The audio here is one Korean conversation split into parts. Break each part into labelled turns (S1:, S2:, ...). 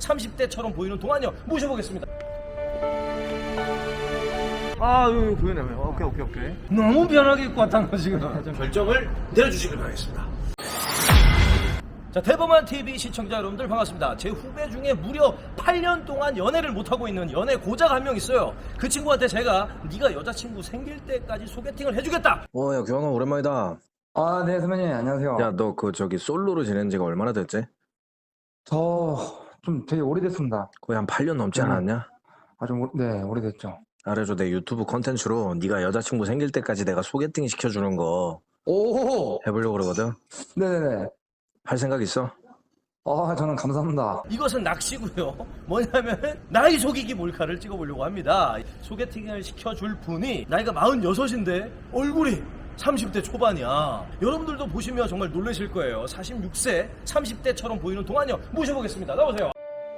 S1: 30대처럼 보이는 동안요 모셔보겠습니다.
S2: 아유 보이네. 오케이.
S1: 너무 편하게 입고 왔다는 거 지금. 결정을 내려주시길 바라겠습니다. 자, 대범한 TV 시청자 여러분들 반갑습니다. 제 후배 중에 무려 8년 동안 연애를 못하고 있는 연애 고자가 한 명 있어요. 그 친구한테 제가 네가 여자친구 생길 때까지 소개팅을 해주겠다.
S3: 야, 규환아, 오랜만이다.
S4: 아, 네, 선배님, 안녕하세요.
S3: 야, 너 저기 솔로로 지낸 지가 얼마나 됐지?
S4: 저 좀 되게 오래됐습니다.
S3: 거의 한 8년 넘지 않았냐?
S4: 네, 오래됐죠.
S3: 알아줘, 내 유튜브 컨텐츠로 네가 여자친구 생길 때까지 내가 소개팅 시켜주는 거
S4: 오!
S3: 해보려고 그러거든?
S4: 네네네.
S3: 할 생각 있어?
S4: 아, 저는 감사합니다.
S1: 이것은 낚시고요. 뭐냐면 나이 속이기 몰카를 찍어보려고 합니다. 소개팅을 시켜줄 분이 나이가 46인데 얼굴이 30대 초반이야. 여러분들도 보시면 정말 놀라실 거예요. 46세 30대처럼 보이는 동안요 모셔보겠습니다. 나오세요.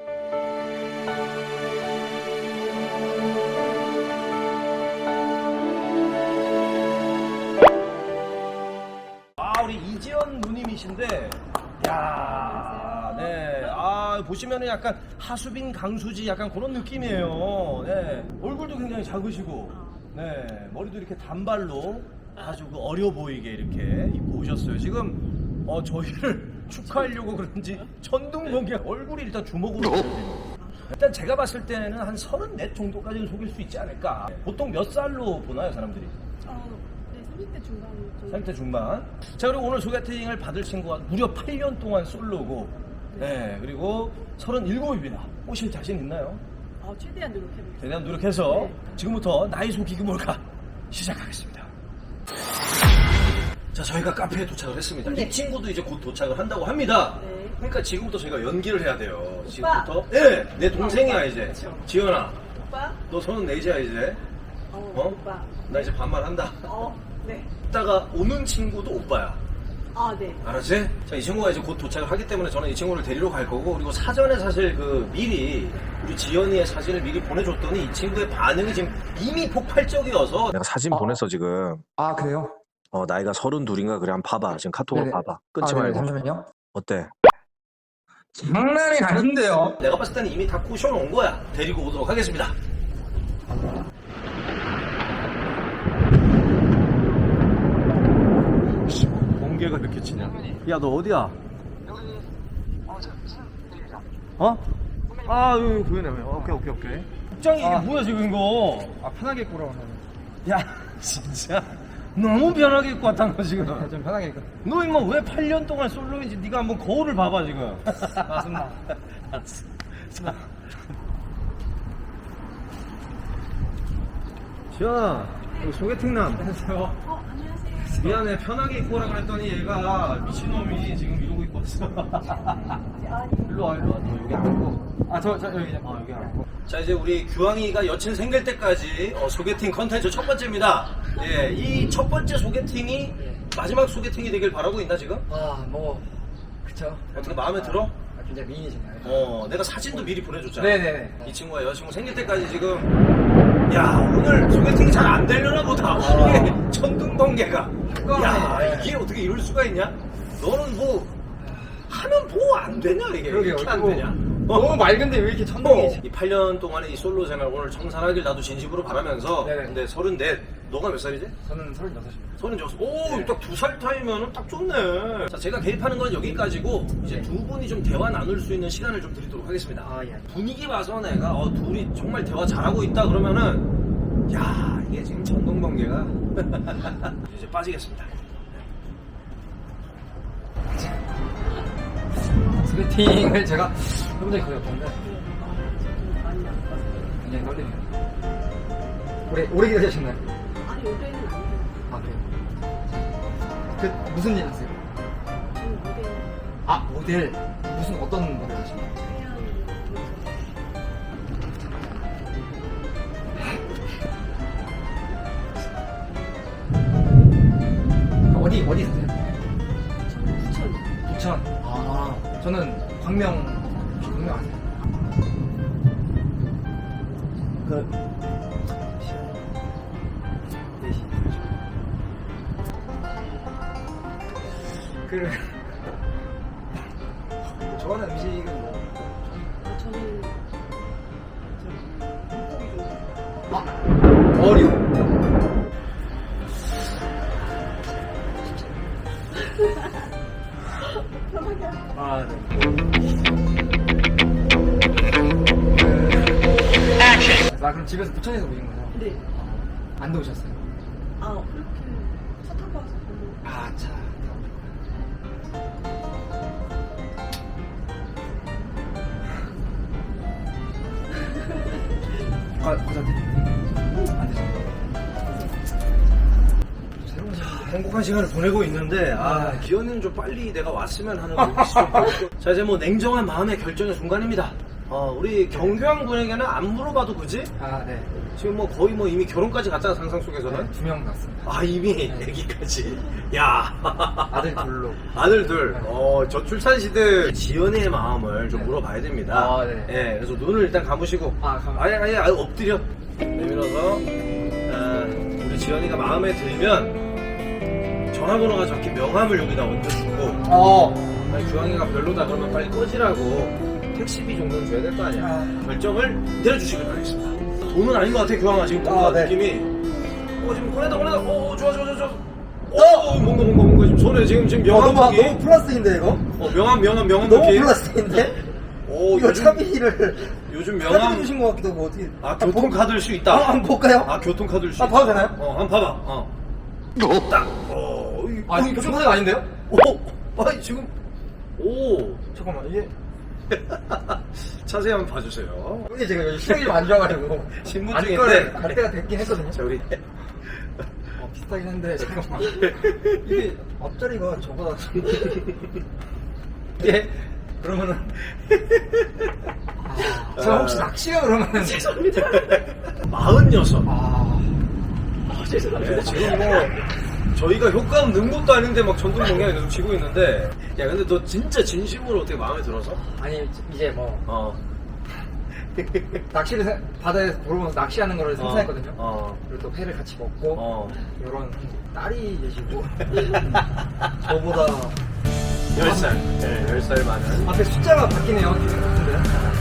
S1: 우리 이지연 누님이신데, 야, 네, 보시면은 약간 하수빈 강수지 약간 그런 느낌이에요. 네, 얼굴도 굉장히 작으시고, 네, 머리도 이렇게 단발로 아주 그 어려 보이게 이렇게 입고 오셨어요. 지금 저희를 축하하려고 그런지 천둥번개 얼굴이 일단 주먹으로 보여요. 일단 제가 봤을 때는 한 34 정도까지는 속일 수 있지 않을까. 보통 몇 살로 보나요, 사람들이?
S5: 네, 30대 중반 정도.
S1: 30대 중반. 자, 그리고 오늘 소개팅을 받을 친구가 무려 8년 동안 솔로고, 네, 그리고 37이나 꼬실 자신 있나요?
S5: 최대한 노력해보겠습니다.
S1: 최대한 노력해서 지금부터 나이 속이기 몰카 시작하겠습니다. 자, 저희가 카페에 도착을 했습니다. 이 친구도 이제 곧 도착을 한다고 합니다.
S5: 네.
S1: 그러니까 지금부터 저희가 연기를 해야 돼요.
S5: 오빠.
S1: 지금부터. 네, 내 동생이야 이제.
S5: 그쵸.
S1: 지연아,
S5: 오빠?
S1: 너 34이야 이제.
S5: 오빠.
S1: 나 이제 반말한다.
S5: 네.
S1: 이따가 오는 친구도 오빠야.
S5: 네.
S1: 알았지? 자, 이 친구가 이제 곧 도착을 하기 때문에 저는 이 친구를 데리러 갈 거고, 그리고 사전에 사실 미리 우리 지연이의 사진을 미리 보내줬더니 이 친구의 반응이 지금 이미 폭발적이어서
S3: 내가 사진 보냈어, 지금.
S4: 아, 그래요?
S3: 나이가 32인가 그래. 한번 봐봐. 지금 카톡으로
S4: 네네.
S3: 봐봐. 끊지
S4: 네네,
S3: 말고.
S4: 잠시만요.
S3: 어때?
S4: 장난이 아닌데요?
S1: 내가 봤을 때는 이미 다 꼬셔놓은 거야. 데리고 오도록 하겠습니다. 번개가 이렇게 치냐? 야, 너 어디야? 어?
S2: 여기 보이네. 오케이.
S1: 국장이 이게 뭐야 지금 이거?
S2: 편하게 입고 오라고.
S1: 야, 진짜 너무 편하게 입고 왔다는 거 지금.
S2: 좀 편하게 입고.
S1: 너 임마 왜 8년 동안 솔로인지 네가 한번 거울을 봐봐 지금.
S2: 맞습니다.
S1: 알았어. 자, 지연아, 여기 소개팅남.
S5: 안녕하세요.
S1: 미안해, 편하게 입고 오라 그랬더니 얘가 미친놈이 지금 이러고 입고 왔어. 일로 와. 너 여기 앉고. 여기 앉고. 자, 이제 우리 규황이가 여친 생길 때까지 소개팅 컨텐츠 첫 번째입니다. 예, 이 첫 번째 소개팅이 마지막 소개팅이 되길 바라고 있나 지금?
S2: 그쵸.
S1: 어떻게 마음에 들어?
S2: 굉장히 미인이시네요.
S1: 내가 사진도 미리 보내줬잖아.
S2: 네네네.
S1: 이 친구가 여자친구 생길 때까지 지금, 야, 오늘 소개팅이 잘 안 되려나 보다. 이게 천둥번개가. 야, 이게 어떻게 이럴 수가 있냐? 너는 뭐 하면 뭐 안 되냐 이게?
S2: 그러게요.
S1: 이렇게 안
S2: 그거
S1: 되냐?
S2: 너무 맑은데 왜 이렇게 천둥이지?
S1: 이 8년 동안의 이 솔로 생활 오늘 청산하길 나도 진심으로 바라면서.
S2: 네네.
S1: 근데 34, 너가 몇 살이지?
S2: 저는 36입니다.
S1: 36. 오, 딱 2살 차이면은 딱 좋네. 자, 제가 개입하는 건 여기까지고, 이제 두 분이 좀 대화 나눌 수 있는 시간을 좀 드리도록 하겠습니다.
S2: 예.
S1: 분위기 봐서 내가, 둘이 정말 대화 잘하고 있다 그러면은, 야, 이게 지금 천둥번개가. 이제 빠지겠습니다.
S2: 소개팅을 제가 해본 적이 거의 없는데
S5: 지금 많이 안 봐서.
S2: 굉장히 떨리네요. 오래 기다리셨나요?
S5: 아니, 올해는 아니에요.
S2: 아, 그래요? 그 무슨 일 하세요?
S5: 저는
S2: 모델.
S5: 모델
S2: 무슨 어떤 모델 하시나요?
S5: 그냥
S2: 어디 사세요?
S5: 저는 부천.
S2: 부천. 저는 광명 아세요? 좋아하는 음식은 뭐?
S5: 저는
S2: 어류. 아, 네. 아, 그럼 집에서 부천에서 오신 거죠?
S5: 네.
S2: 안 더우셨어요?
S5: 아, 그렇게 차 타고 와서 별로.
S2: 아, 차. 과자 안 드셨나요?
S1: 행복한 시간을 보내고 있는데 기현이는 좀 빨리 내가 왔으면 하는 눈빛이 좀 보이고. 자, 이제 뭐 냉정한 마음의 결정의 순간입니다. 우리 경규왕 분에게는 안 물어봐도 그지?
S2: 아, 네.
S1: 지금 뭐 거의 뭐 이미 결혼까지 갔잖아, 상상 속에서는.
S2: 2명 났습니다.
S1: 아, 이미 애기까지. 야.
S2: 아들 둘로.
S1: 아들 둘. 저출산 시대 지연이의 마음을 좀
S2: 네.
S1: 물어봐야 됩니다.
S2: 아, 네.
S1: 예, 그래서 눈을 일단 감으시고. 아예 엎드려. 내밀어서. 우리 지연이가 마음에 들면 전화번호가 적힌 명함을 여기다 얹어주고. 아니, 주황이가 별로다 그러면 빨리 꺼지라고. 택시비 정도는 줘야 될 거 아니야. 결정을 내려주시길 바라겠습니다. 돈은 아닌 것 같아, 교황아. 지금 뭔가
S2: 네.
S1: 느낌이. 지금 꺼내다. 좋아. 뭔가. 지금 손에 지금 명함
S2: 너무
S1: 느낌.
S2: 플러스인데, 이거?
S1: 명함
S2: 너무
S1: 느낌.
S2: 플러스인데? 이거 차비를
S1: 요즘
S2: 카드
S1: 명함.
S2: 주신 것 같기도 하고, 어떻게.
S1: 교통카드를 수 있다.
S2: 한번 볼까요?
S1: 교통카드를 수 있다.
S2: 봐도 되나요?
S1: 한번 봐봐. 딱.
S2: 이거 교통카드가 아닌데요?
S1: 지금.
S2: 잠깐만, 이게.
S1: 자세히 한번 봐주세요.
S2: 근데 제가 요즘 시력이 좀 안 좋아가지고.
S1: 신분증인데.
S2: 갈 때가 됐긴 했거든요.
S1: 자, 우리.
S2: 비슷하긴 한데, 잠깐만. 이게 앞자리가 저보다.
S1: 예? 그러면은.
S2: 제가 혹시 낚시가 그러면.
S1: 죄송합니다. 46.
S2: 죄송합니다.
S1: 네, 지금 뭐 저희가 효과 없는 것도 아닌데 막 전국 농약이 계속 치고 있는데. 야, 근데 너 진짜 진심으로 어떻게 마음에 들어서?
S2: 아니, 이제 뭐. 낚시를 바다에서 물어보면서 낚시하는 거를 상상했거든요. 그리고 또 회를 같이 먹고 이런 딸이 계시고 저보다
S1: 10살. 네, 10살 많은.
S2: 앞에 숫자가 바뀌네요. 기분 같은데요?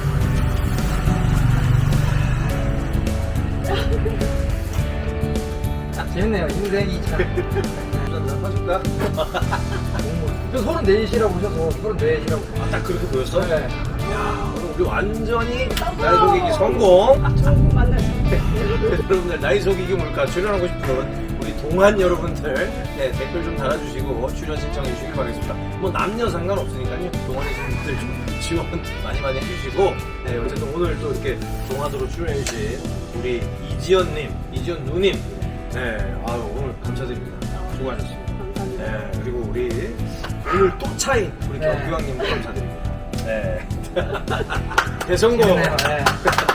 S2: 재밌네요. 인생이 참.
S1: 한잔 해줄까?
S2: 저 34이라고 오셔서 34이라고.
S1: 딱 그렇게 보였어?
S2: 네.
S1: 야, 오늘 우리 완전히 나이 속이기 성공.
S5: 좋은 분 만나서.
S1: 여러분들 나이 속이기 뭘까 출연하고 싶은 우리 동안 여러분들 댓글 좀 달아주시고 출연 신청해 주시기 바라겠습니다. 뭐 남녀 상관없으니까요. 동안이신 분들 좀 지원 많이 해주시고 어쨌든 오늘 또 이렇게 동안으로 출연해 주신 우리 이지연 누님 오늘 감사드립니다. 수고하셨습니다.
S5: 감사합니다.
S1: 그리고 우리 오늘 또 차인 우리 경규왕님도 감사드립니다. 대성공.
S2: 재밌네요. 네.